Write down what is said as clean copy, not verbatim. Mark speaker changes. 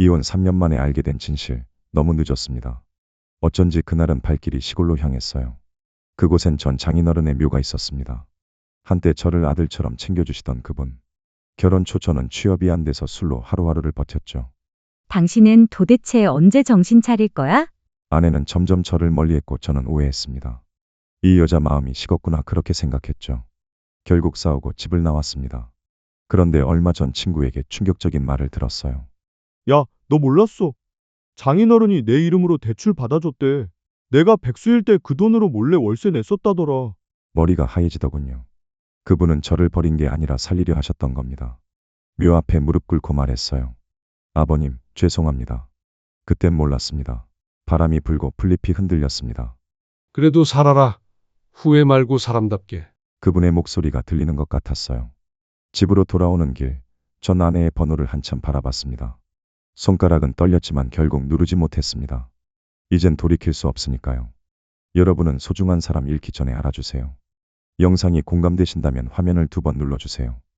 Speaker 1: 이혼 3년 만에 알게 된 진실, 너무 늦었습니다. 어쩐지 그날은 발길이 시골로 향했어요. 그곳엔 전 장인어른의 묘가 있었습니다. 한때 저를 아들처럼 챙겨주시던 그분. 결혼 초 저는 취업이 안 돼서 술로 하루하루를 버텼죠.
Speaker 2: 당신은 도대체 언제 정신 차릴 거야?
Speaker 1: 아내는 점점 저를 멀리했고 저는 오해했습니다. 이 여자 마음이 식었구나 그렇게 생각했죠. 결국 싸우고 집을 나왔습니다. 그런데 얼마 전 친구에게 충격적인 말을 들었어요.
Speaker 3: 야, 너 몰랐어? 장인어른이 내 이름으로 대출 받아줬대. 내가 백수일 때 그 돈으로 몰래 월세 냈었다더라.
Speaker 1: 머리가 하얘지더군요. 그분은 저를 버린 게 아니라 살리려 하셨던 겁니다. 묘 앞에 무릎 꿇고 말했어요. 아버님, 죄송합니다. 그땐 몰랐습니다. 바람이 불고 풀잎이 흔들렸습니다.
Speaker 4: 그래도 살아라. 후회 말고 사람답게.
Speaker 1: 그분의 목소리가 들리는 것 같았어요. 집으로 돌아오는 길, 전 아내의 번호를 한참 바라봤습니다. 손가락은 떨렸지만 결국 누르지 못했습니다. 이젠 돌이킬 수 없으니까요. 여러분은 소중한 사람 잃기 전에 알아주세요. 영상이 공감되신다면 화면을 2번 눌러주세요.